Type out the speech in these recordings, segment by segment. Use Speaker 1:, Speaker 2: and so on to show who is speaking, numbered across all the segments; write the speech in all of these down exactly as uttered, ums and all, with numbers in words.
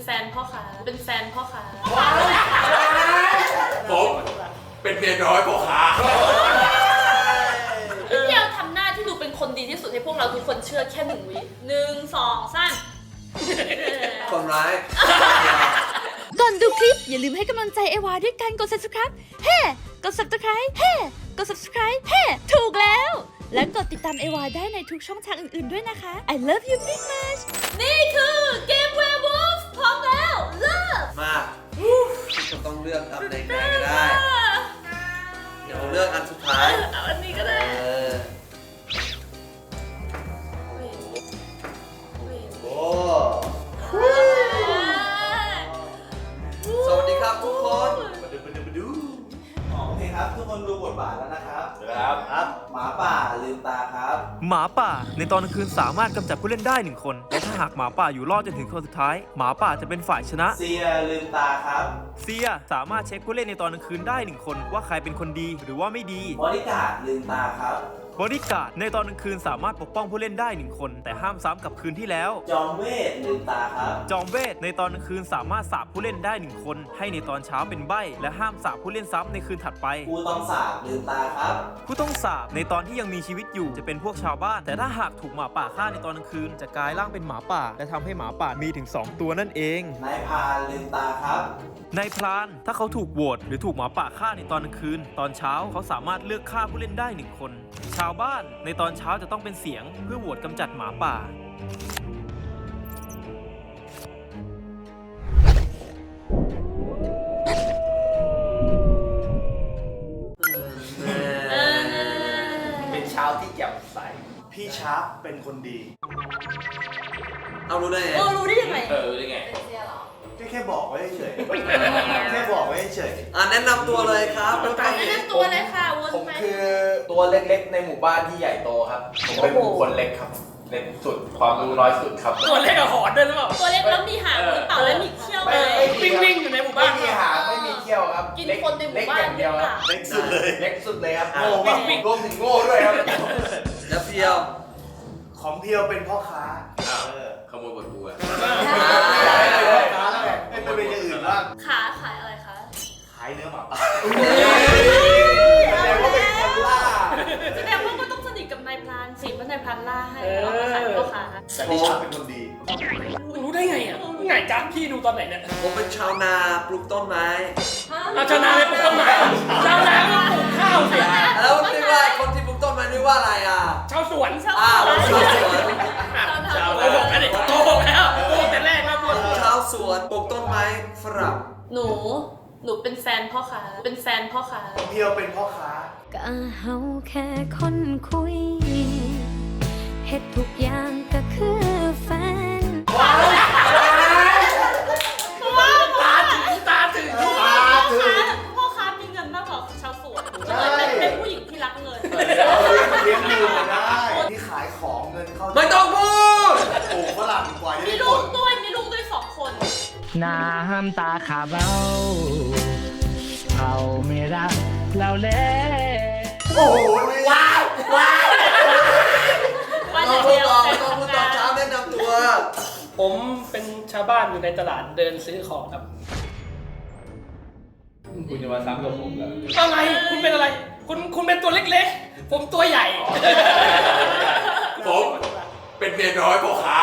Speaker 1: แฟนพ่อค้าเป็นแฟนพ่อค้า
Speaker 2: ผมเป็นเมียน้อยพ่อค้า
Speaker 1: พี่เพียวทำหน้าที่ดูเป็นคนดีที่สุดให้พวกเราทุกคนเชื่อแค่หนึ่งวิหนึ่งสองสาม
Speaker 2: คนร้าย
Speaker 3: ก่อนดูคลิปอย่าลืมให้กำลังใจเอวาด้วยการกด ซับสไครบ์ เฮ้ กด ซับสไครบ์ เฮ้ กด ซับสไครบ์ เฮ้ ถูกแล้ว และกดติดตามเอวาได้ในทุกช่องทางอื่นๆด้วยนะคะ I love you big much
Speaker 1: นี่คือเกม Werewolf พร้อมแล้วเริ่ม
Speaker 2: มาจะต้องเลือกตำแหน่งไหนก็ได้เดี๋ยวเลือกอันสุดท้าย
Speaker 1: เอาอันนี้ก็ได้
Speaker 2: โอ้สวัสดีครับทุกคนมาดูมาดูมาดู
Speaker 4: โอเคครับทุกคนดูบทบาทแล้วนะครับ
Speaker 2: ครับ
Speaker 4: ครับหมาป่าลืมตาครับ
Speaker 5: หมาป่าในตอนกลางคืนสามารถกำจัดผู้เล่นได้หนึ่งคนและถ้าหากหมาป่าอยู่รอดจนถึงคนสุดท้ายหมาป่าจะเป็นฝ่ายชนะ
Speaker 4: เซียลืมตาครับ
Speaker 5: เซียสามารถเช็คผู้เล่นในตอนกลางคืนได้หนึ่งคนว่าใครเป็นคนดีหรือว่าไม่ดี
Speaker 4: บริการดลืมตาครับ
Speaker 5: บริการดในตอนกลางคืนสามารถปกป้องผู้เล่นได้หนึ่งคนแต่ห้ามซ้ำกับคืนที่แล้ว
Speaker 4: จอมเวทลืมตาครับ
Speaker 5: จอมเวทในตอนกลางคืนสามารถสาปผู้เล่นได้หนึ่งคนให้ในตอนเช้าเป็นใบ้และห้ามสาปผู้เล่นซ้ำในคืนถัดไป
Speaker 4: ผู้ต้องสาปลืมตาครับ
Speaker 5: ผู้ต้องสาปในตอนที่ยังมีชีวิตอยู่จะเป็นพวกชาวบ้านแต่ถ้าหากถูกหมาป่าฆ่าในตอนกลางคืนจะกลายร่างเป็นหมาป่าและทำให้หมาป่ามีถึงสองตัวนั่นเอง
Speaker 4: นายพรานลืมตาครับ
Speaker 5: นายพรานถ้าเขาถูกโหวตหรือถูกหมาป่าฆ่าในตอนกลางคืนตอนเช้าเขาสามารถเลือกฆ่าผู้เล่นได้หนึ่งคนชาวบ้านในตอนเช้าจะต้องเป็นเสียงเพื่อโหวตกำจัดหมาป่า
Speaker 2: เป็นเช้าที่แจ่มใส
Speaker 4: พี่ชาร์ปเป็นคนดี
Speaker 2: เอารู้ได้ไง
Speaker 1: เออรู้ได้ยังไง
Speaker 2: เออรู้ได้ไง
Speaker 1: เป็นเซียเหรอ
Speaker 4: แค่บอกไว้เฉยแค่บอกไว้เฉย
Speaker 2: อ่ะแนะนำตัวเลยครับ
Speaker 1: แนะนำตัวเลยค่ะวน
Speaker 6: ผม
Speaker 1: ไป
Speaker 6: คือตัวเล็กๆในหมู่บ้านที่ใหญ่โตครับผมเป็นบุคคลเล็กครับเล็กสุดความรู้น้อยสุดครับ
Speaker 1: ตัวเล็กกับหอนด้วยหรือเปล่าตัวเล็กแล้วมีหางหรือเปล่าแล้วมีเขี้ยวไหมวิ่งวิ่งอยู่ในหมู่บ้าน
Speaker 6: ไม่มีหางไม่มีเขี้ยวครับ
Speaker 1: กินคนในหมู่บ้าน
Speaker 6: เดียวครับ
Speaker 4: เล็กสุดเลย
Speaker 6: เล็กสุดเลยครับโง่มากรวมถึงโง่ด้วยครับ
Speaker 2: แล้วเพียว
Speaker 4: ของเพียวเป็นพ่อค้า
Speaker 2: ขโมยบทบัว
Speaker 4: ไม่เป็นอย่างอื่นบ้าง
Speaker 1: ขาขายอะไรคะ
Speaker 4: ขายเนื้อหมาป่า
Speaker 6: แสดงว่าเป็นคนล่า
Speaker 1: แสดงว่าก็ต้องสนิทกับนายพรานสิเพราะนายพรานล่าให้เราก็ขายพ่อค้า
Speaker 4: แต่พี่ชาเป็นคนดี
Speaker 7: รู้ได้ไงอ่ะไงจ้าพี่ดูตอนไหนเนี่ย
Speaker 2: ผมเป็นชาวนาปลูกต้นไม้
Speaker 7: ชาวนาไม่ปลูกต้นไม้ชาวนาก็ปลูกข้าวสิ
Speaker 2: แล้วเรียกว่าคนที่ปลูกต้นไม้เรียกว่าอะไรอ่ะ
Speaker 7: ชาวสวน
Speaker 2: อ้าวชาวสวน
Speaker 7: ชาวโกหกกันดิโกหกแล้วโกหกแต่แรกแล้ว
Speaker 2: ชาวสวนปลูกต้นไม้ฝรั่ง
Speaker 1: หนูหนูเป็นแฟนพ่อค้าเป็นแฟนพ่อค้า
Speaker 4: เพียวเป็นพ่อค้า
Speaker 3: ก็เฮาแค่คนคุยเฮ็ดทุกอย่างก็คือแฟน
Speaker 7: ว้าวตาถึงตาถึง
Speaker 1: ตาถึงพ่อค้ามีเงินมากกว่าชาวสวนเป็นเป็นผู้หญิงที่รักเงิน
Speaker 4: เลี้ยงดูได้ที่ขายของเงินเข้า
Speaker 2: ไม่ต้องพูด
Speaker 4: ปลูกฝรั่งกว่า
Speaker 1: มีลูกด้วยมีลูกด้วยสองคน
Speaker 8: น้ำตาขาเบ้าเขาไม่รักเราเลย
Speaker 4: โอ้ว้าวว้าว
Speaker 2: ต้องพูดต่อต้องพูดต่อเช้าแนะนำตัว
Speaker 7: ผมเป็นชาวบ้านอยู่ในตลาดเดินซื้อของครับ
Speaker 6: คุณจะมาซ้ำกับผมเหรอ
Speaker 7: อะไรคุณเป็นอะไรคุณคุณเป็นตัวเล็กๆผมตัวใหญ่
Speaker 2: ผมเป็นเมียน้อยพ่อค้า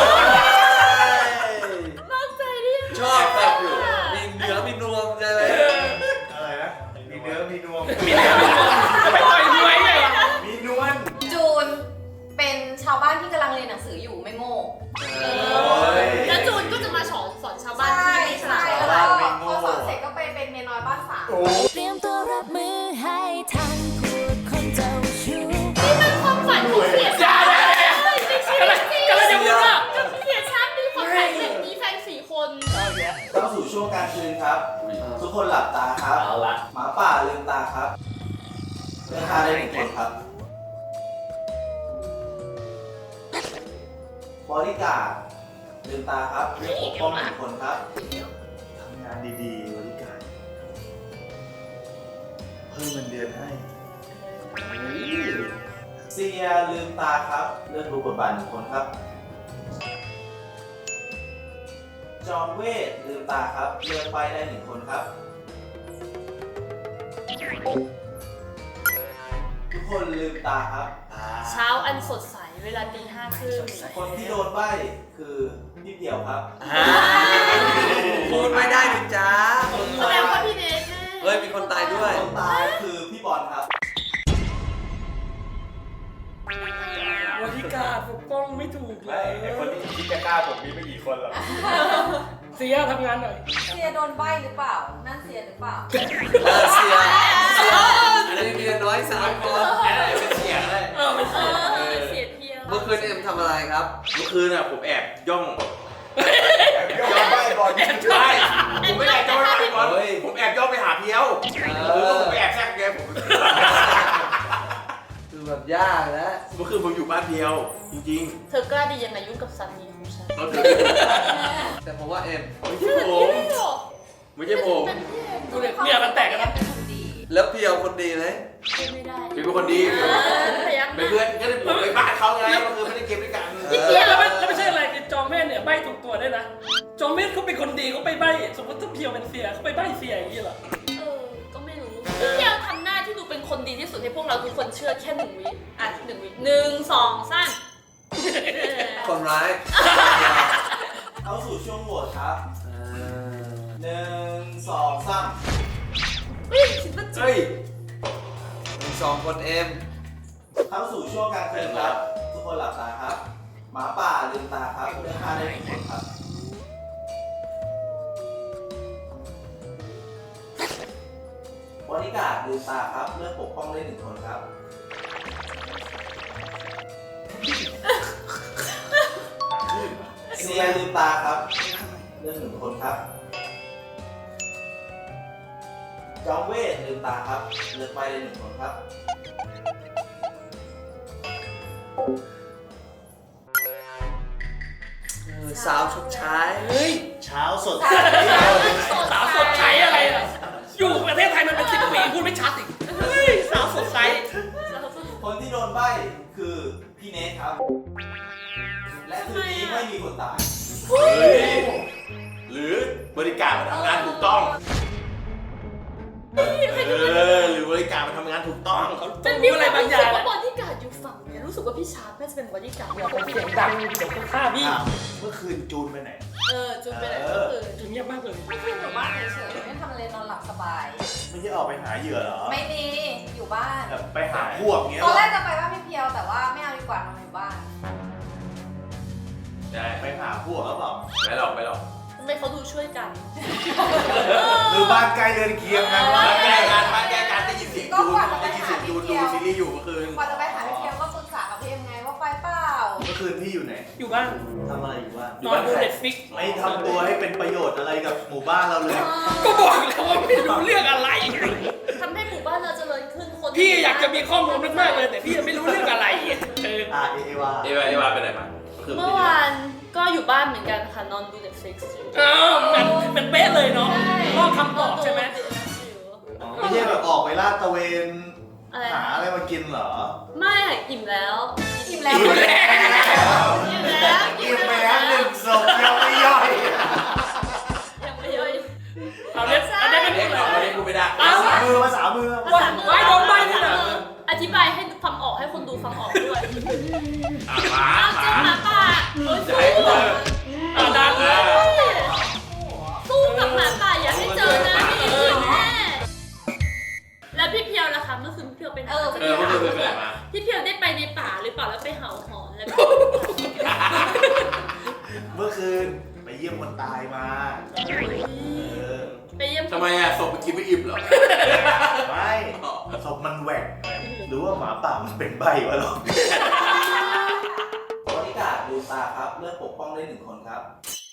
Speaker 2: ชอบแบบอยู่มีเนื้อมีนวมอะไร
Speaker 4: อะไรนะมีเนื้อมีนวม
Speaker 7: มีเนื้อมีนวมจะไปต่อยมวยไง
Speaker 4: มีนวล
Speaker 9: จูนเป็นชาวบ้านที่กำลังเรียนหนังสืออยู่ไม่โง่
Speaker 1: แล้วจูนก็จะมาสอนสอนชาวบ้านที่ไม่ฉลาด
Speaker 9: แล้วพอสอนเสร็จก็ไปเป็นเมียน้อยบ้านสาว
Speaker 3: เตรียมตัวรับมือให้ทันพวกคนเจ้าชู้
Speaker 1: นี่มันความฝันของเสียชาติอะไรกำลังจะพูดว่าเสียชาติมีความฝันแบบนี้แฟนสี่คน
Speaker 4: เข้าสู่ช่วงกลางคืนครับทุกคนหลับตาครับ
Speaker 6: เอาละ
Speaker 4: หมาป่าลืมตาครับเลือกฆ่าได้หนึ่งคนครับบริการลืมตาครับเลือกปกป้องหนึ่งคนครับทำงานดีๆบริการเพิ่มเงินเดือนให้เซียลืมตาครับเลือกดูบทบาทหนึ่งคนครับจอมเวทลืมตาครับเลือกไปได้หนึ่งคนครับ ทุกคนลืมตาครับ
Speaker 1: เช้าอันสดใสเวลาตีห้าครึ่ง
Speaker 4: คนที่โดนใบ้คือพี่เดี่ยวครับ
Speaker 2: พูดไม่ได้ดิจ้า
Speaker 1: แสดงว่าพี่เนทแน่
Speaker 2: เฮ้ยมีคนตายด้วย
Speaker 4: คนตายคือพี่บอลครับ
Speaker 7: บริการปกป้องไม่ถูกเล
Speaker 6: ไม่
Speaker 7: ย
Speaker 6: ไอคนที่คิดจะกล้าผมมีไม่กี่คนหรอก
Speaker 7: เสียทำงานหน่อย
Speaker 9: เสียโดนใบหรือเปล่า นั่นเสียหรือเปล่า
Speaker 2: เออเสียเสียอันนี้มีน้อยสามคนเป็นเสียงเลย
Speaker 7: เออไม่
Speaker 1: เอ
Speaker 7: ใช่
Speaker 1: อเสียเที่ยว
Speaker 2: เมื่อคืนเอ็มทำอะไรครับ
Speaker 6: เมื่อคืนอ่ะผมแอบย่อง
Speaker 4: ยอมใบ้บอล
Speaker 6: ใช่ผมไม่แอบย่องไปบอล
Speaker 2: เฮ้ย
Speaker 6: ผมแอบย่องไปหาเพียว
Speaker 2: เอ
Speaker 6: เออ
Speaker 2: อ
Speaker 6: ผมไปแอบแทรกแกผม
Speaker 2: คือแบบยากนะ
Speaker 6: เมื่อคืนผมอยู่บ้านเพียว จริง
Speaker 1: เธอกล้าดียังไงยุ่งกับสามีของฉัน
Speaker 6: ๆเราถือ
Speaker 2: แต่ผมว่าเอ็ม
Speaker 6: ไม่ใช่ผมไม่ใช่ผม
Speaker 1: เป็นพี่เอง
Speaker 7: ดูเนี่ยเนี่ยมันแตกกันแล้ว
Speaker 9: เป็นคนดี
Speaker 2: แล้วเพียวคนดีไหม
Speaker 1: ไม่ได้
Speaker 6: พี่เป็นคนดี
Speaker 1: เออพยักห
Speaker 6: เป็น
Speaker 1: น้า
Speaker 6: เพื่อนก็เลยผมไปบ้านเขาไงเมื่อคืนไม่ได้เกมด้วยกัน
Speaker 7: เหี้ยแล้วไม่แล้วไม่ใช่อะไรคือจอมเมธเนี่ยใบถูกตัวด้วยนะจอมเมธเขาเป็นคนดีเขาไปใบสมมติถ้าเพียวเป็นเสียเขาไปใบเสียอย่างนี้เหรอ
Speaker 1: เออ ก็ไม่รู้พี่เพียวทำหน้าที่ดูเป็นคนดีที่สุดให้พวกเราทุกคนเชื่อแค่หนึ่งวิอ่ะหนึ่งวิหนึ่งสองสาม
Speaker 2: คนร้าย
Speaker 4: เข้าสู่ช่วงโหวตครับ
Speaker 2: เออ
Speaker 4: หนึ่งสองสาม
Speaker 1: เฮ้ยคิดว่าจริง
Speaker 6: เฮ้ย
Speaker 2: มีสองคนเอ็ม
Speaker 4: เข้าสู่ช่วงกลางคืนครับ ทุกคนหลับตาครับ หมาป่าลืมตาครับเลือกฆ่าได้หนึ่งคนครับบริการดลืมตาครับเลือกปกป้องได้หนึ่งคนครับ เซียลืมตาครับเลือกหนึ่งคนครับ จอมเวทลืมตาครับเลือกไปได้หนึ่งคนครับ
Speaker 2: เออสาวชุกชาย
Speaker 7: เฮ้ย
Speaker 4: เช้าสด
Speaker 7: สาวสดใสอะไรล่ะอยู่ประเทศไทยมันเป็นสิบปีพูดไม่ชัดอีกเฮ้ยสาวสดใส
Speaker 4: คนที่โดนใบ้คือพี่เนทครับ และคืนนี้ไม่มีคนตาย
Speaker 6: เฮ้ยหรือบริการมาทำงานถูกต้องเออหรือบริการมาทำงานถูกต้อง
Speaker 1: เป็น
Speaker 7: มี
Speaker 1: มี
Speaker 7: อะ
Speaker 1: อะไร ไร
Speaker 7: บา
Speaker 1: บาง ง
Speaker 7: อ
Speaker 1: อย่าง
Speaker 7: ย่าง
Speaker 1: ว่าบอดี้การ์ดอยู่ฝั่งเนี่ยรู้สึกว่าพี่ชาร์ปน่าจะเป็นบอดี้การ์ด
Speaker 7: อย่าไปเสียงดังเดี๋ยวคนฆ่าพี่
Speaker 4: เมื่อคืนจูนไปไหน
Speaker 1: เออจุนไปไหนก็คือ
Speaker 7: จุดเงียบมากเลย
Speaker 9: ไม่ขึ้นอยู่บ้านเฉยๆไม่ทำอะไรนอนหลับสบาย
Speaker 4: ไม่ใช่ออกไปหาเหยื่อเหรอ
Speaker 9: ไม่มี อยู่บ้าน
Speaker 4: แบบไปหาพวกเงี้ย
Speaker 9: ตอนแรกจะไปบ้านพี่เพียวแต่ว่าไม่เอาดีกว่านอนอยู่บ้าน
Speaker 6: ได้
Speaker 4: ไปหาพวกหรือเปล่า
Speaker 6: ไม่หรอกไม่หรอก
Speaker 1: ทำไมเขาดูช่วยกัน
Speaker 4: หรือบ้านใกล้เรือนเคียงกัน
Speaker 6: มาแก้การมาแก้การได้ยินเสียงจูนได้ยินเสียงจูนดูซีรีส์อยู่เมื่อคืน
Speaker 9: กว่าจะไปหาพี่เพียวก็ปรึกษากับพี่เอ็มไงว่าไปเปล่า
Speaker 4: เมื่อคืนพี่อยู่ไหน
Speaker 7: อยู่บ้าน
Speaker 4: ทำอะไรอยู่บ้าน
Speaker 7: นอนดูเน็ตฟิก
Speaker 4: ไม่ทำตัวให้เป็นประโยชน์อะไรกับหมู่บ้านเราเลย
Speaker 7: ก็บอกแล้วว่าไม่รู้เรื่องอะไร
Speaker 1: ทำให้หมู่บ้านเราเจริญขึ้นคน
Speaker 7: พี่อยากจะมีข้อมูลมากๆเลยแต่พี่ยังไม่รู้เรื่องอะไรเออ
Speaker 4: อ่าเอวา
Speaker 6: เอวาเอวาไปไหนมา
Speaker 1: เมื่อวานก็อยู่บ้านเหมือนกันค่ะนอนดู Netflix อยู่
Speaker 7: อ้าวมันมันเป๊ะเลยเนาะรอบคำตอบใช่ไหม
Speaker 4: ไม่ใช่แบบออกไปลาดตระเวน
Speaker 1: อะไร
Speaker 4: หาอะไรมากินเหรอ
Speaker 1: ไม่ค่ะอิ่มแล้ว
Speaker 9: อิ่มแล้ว
Speaker 4: อิ่มแล้ว
Speaker 1: อิ่มแล้ว
Speaker 4: กินไปแล้วหนึ่งศพยังไม่ย่อย
Speaker 1: ยังไม่ย่อย
Speaker 7: เอาเล่นเอาเล่นไม่
Speaker 6: เด็
Speaker 7: พู
Speaker 6: ก
Speaker 7: ดเล
Speaker 6: เรา
Speaker 7: ย
Speaker 6: เด็กกูไม่ได้
Speaker 7: อ้าว
Speaker 4: ภาษามือภาษามือ
Speaker 7: ว่าไว้โดนใบนี่นะ
Speaker 1: อธิบายให้ฟังออกให้คนดูฟังออกด้วย
Speaker 6: อ่ะหมา
Speaker 1: อ้าว
Speaker 6: หมา
Speaker 1: เจ้าหมาป่าเอ้ย
Speaker 6: จะให้กูเจอ
Speaker 7: อ่าดังเลย
Speaker 1: สู้กับหมาป่าอย่าให้เจอนะพี่เอ๋แม่แล้วพี่เพียวล่ะคะเมื่อคืนพี่เพียวไปไหน
Speaker 9: เออ
Speaker 6: เออเมื่อคืนไปไหนมา
Speaker 1: พี่เพียวได้ไปในป่าหรือเปล่าแล้วไปเห่าหอนแล้วก็
Speaker 4: เมื่อคืนไปเยี่ยมคนตายมา เออ
Speaker 1: ไปเยี่ยม
Speaker 6: ทำไมอ่ะศพมันกินไม่อิ่มเหรอ
Speaker 4: ไม่ศพมันแหวกหรือว่าหมาป่ามันเป็นใบวะหรอบริการดูตาครับเลือกปกป้องได้หนึ่งคนครับ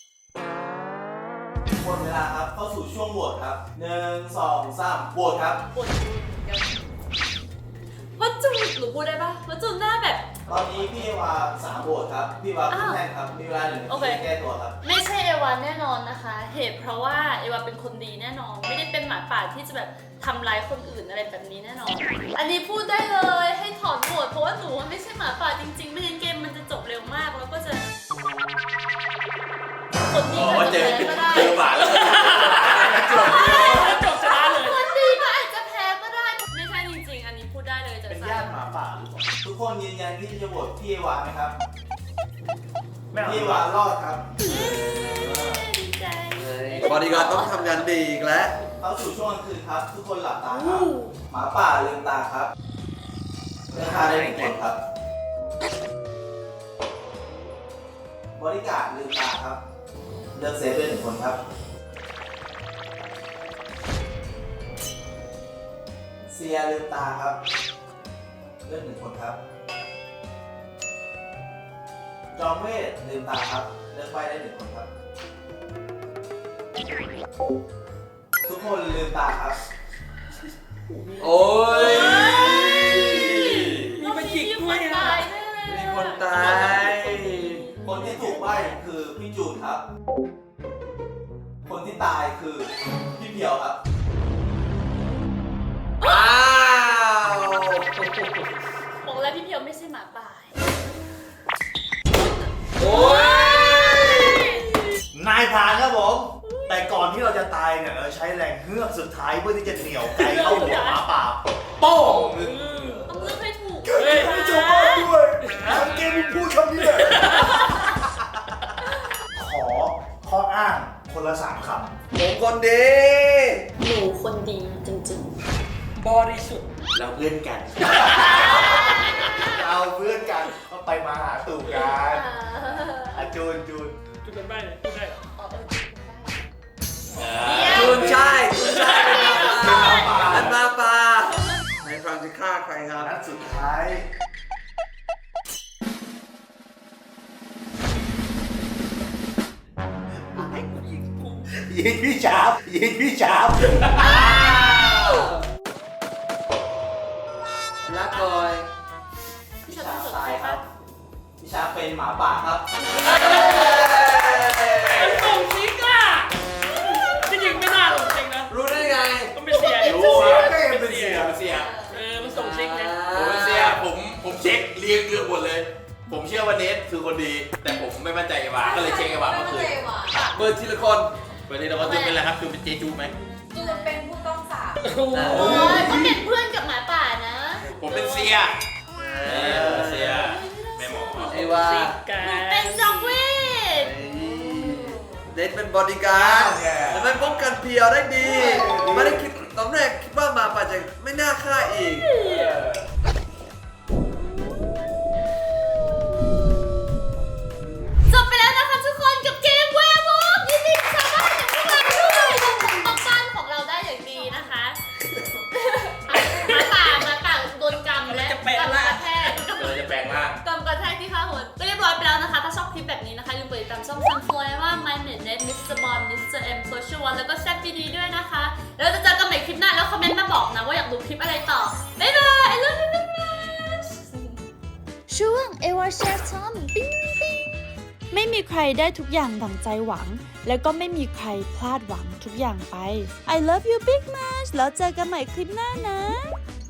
Speaker 4: หมดเวลาครับเข้าสู่ช่วงโหวตครับหนึ่งสองสามโหวตครับ
Speaker 1: ปวดจูนเหมือนกันว่าจูนหนูพูดได้ปะว่าจูนหน้าแบบ
Speaker 4: ตอนนี้พี่วาสามโหวตครับ พี่วาพี่แทนครับ มีเวลาหนึ่งนา
Speaker 1: โอเค
Speaker 4: ทีแก้ตัวครับ
Speaker 1: ไม่ใช่เอวาแน่นอนนะคะ เหตุเพราะว่าเอวาเป็นคนดีแน่นอน ไม่ได้เป็นหมาป่าที่จะแบบทำร้ายคนอื่นอะไรแบบนี้แน่นอน อันนี้พูดได้เลยให้ถอนโหวตเพราะว่าหนูไม่ใช่หมาป่าจริงๆ ไม่งั้นเกมมันจะจบเร็วมากแล้วก็จะคคนดี
Speaker 6: อ๋อ
Speaker 1: ก็
Speaker 6: เจ
Speaker 1: อาจ
Speaker 6: อ
Speaker 1: จะแพ้ก็ได้
Speaker 6: เจอหมาแล้วจบ
Speaker 7: จบชนะเลย
Speaker 1: คนดีก็อาจจะแพ้ก็ได้ ไม่ใช่จริงๆ อันนี้พูดได้เลยจาก
Speaker 4: เป็น
Speaker 1: ใจ
Speaker 4: ญาติหมาป่าหรือเปล่าทุกคนยืนยันที่จะโหวตพี่เอวาไหมครับ
Speaker 8: ไม่เอา
Speaker 4: พี่เอวารอดครับ
Speaker 1: ดีใจ
Speaker 2: บอดี้การ์ดต้องทำงานดีอีกแล้ว
Speaker 4: เข้าสู่ช่วงกลางคืนครับ ทุกคนหลับตาครับ หมาป่าลืมตาครับเลือกฆ่าได้หนึ่งคนครับบริการดลืมตาครับ เลือกเซฟได้หนึ่งคนครับเซียลืมตาครับ เลือกหนึ่งคนครับจอมเวทลืมตาครับ เลือกไว้ได้หนึ่งคนครับ ทุกคนลืมตาครับ
Speaker 2: โอ้ย
Speaker 7: มีมาจิกด้วย
Speaker 1: มีคน
Speaker 7: อ่ะ
Speaker 1: ตายแน่
Speaker 2: มีคนตาย
Speaker 4: คนที่ถูกใบ้คือพี่จูนครับ คนที่ตายคือพี่เพียวครับ
Speaker 2: อ้าว
Speaker 1: บอกแล้วพี่เพียวไม่ใช่หมาป่า
Speaker 2: โอ้ย
Speaker 4: นายพรานครับผม แต่ก่อนที่เราจะตายเนี่ยเราใช้แรงเฮือกสุดท้ายเพื่อที่จะเหนี่ยวไก่เข้าหัวหมาป่าโป้ง
Speaker 1: ต้องเลือกให้ถูก
Speaker 7: เฮ้ย
Speaker 4: ไม่จบด้วยทำเกมพูดคำนี้เลยขอข้ออ้างคนละสามคำ
Speaker 2: ผมคนดี
Speaker 1: หนูคนดีจริง
Speaker 7: บริสุทธิ์
Speaker 6: เราเพื่อนกัน
Speaker 4: เราเพื่อนกันก็ไปมาหาตู่กันอาจูนจูน
Speaker 7: จุดเป็นใบพูดได้เหรอ
Speaker 2: จุนใช่จุนใช่เป็นมาป่าเป็นมาป่าในฟรังจะฆ่าใครครับ
Speaker 4: นัดสุดท้ายยิงพี่ชาบยิงพี่ชาบ
Speaker 2: รักก่อย
Speaker 1: ๆ
Speaker 4: พี่
Speaker 1: ฉัน
Speaker 4: ชา
Speaker 1: ไม่
Speaker 4: บ
Speaker 1: สน
Speaker 4: ตา
Speaker 1: ใจ
Speaker 4: ยค
Speaker 1: ปะ
Speaker 4: รับพี่ชาบเป็นหมาป่าครับ
Speaker 7: มันส่งซิกอ่ะจริงๆไม่น่าหรอกจริงนะ
Speaker 2: รู้ได้ไง
Speaker 7: ต้องเป็นเสีย
Speaker 6: รู้
Speaker 7: เป็น
Speaker 6: เป็น
Speaker 7: เสี
Speaker 6: เสี
Speaker 7: ย
Speaker 6: ยเป็นเสีย
Speaker 7: เออมันส่งซิกนะ
Speaker 6: ผมเป็นเสียผมผมเช็คเรียงเรื่องหมดเลย ผมเชื่อว่าเนทคือคนดี แต่ผมไม่มั่นใจไอ้วาก็เลยเช็คไอ้วา
Speaker 9: ไม่
Speaker 6: เมื่อ
Speaker 9: มั่น
Speaker 6: คื
Speaker 9: ใจ
Speaker 6: น
Speaker 9: ว่ะ
Speaker 2: เปิดทีละคน
Speaker 6: วันนี้เราก็จูเป็นอะไรครับจูเป็นเจจูไหม
Speaker 9: จูนเป็นผู้ต้องสาบ
Speaker 7: โอ้โห
Speaker 1: โอ้ยก็เป็นเพื่อนกับหมาป่านะ
Speaker 6: ผมเป็นเสียเออเสียแม่หมอ
Speaker 2: ไอ้ว่า
Speaker 7: ซิกกัน
Speaker 1: เป็นจอมเวท
Speaker 2: เดทเป็นบอดี้การ์ดแต่ไม่ป้องกันเพียวได้ดี ไม่ได้คิดตอนแรกคิดว่าหมาป่าจะไม่น่าฆ่าอีก
Speaker 1: จบไปแล้วนะคะทุกคนกับเกมแวร์วอล์กยินดีกับชาวบ้านอย่างพวกเราด้วยเราปกป้องบ้านของเราได้อย่างดีนะคะหมาป่าหมาป่าโดนกรรมและกรรมกระแทก
Speaker 6: เราจะแปลงร่าง
Speaker 1: กำกระแทกที่ข้าหัวก็เรียบร้อยไปแล้วนะคะ ถ้าชอบคลิปแบบนี้นะคะอย่าลืมกดติดตามช่องซันฟลอยว่า My Net Net มิสเตอร์ Bond มิสเตอร์ M Social One แล้วก็แซ่บดีๆด้วยนะคะ แล้วจะเจอกันใหม่คลิปหน้าแล้วคอมเมนต์มาบอกนะว่าอยากดูคลิปอะไรต่อ บ๊ายบาย I love you very much
Speaker 3: ช่วงเอวาแชร์ทอมปิ้งปิ้งไม่มีใครได้ทุกอย่างดั่งใจหวัง แล้วก็ไม่มีใครพลาดหวังทุกอย่างไป I love you big much แล้วเจอกันใหม่คลิปหน้านะ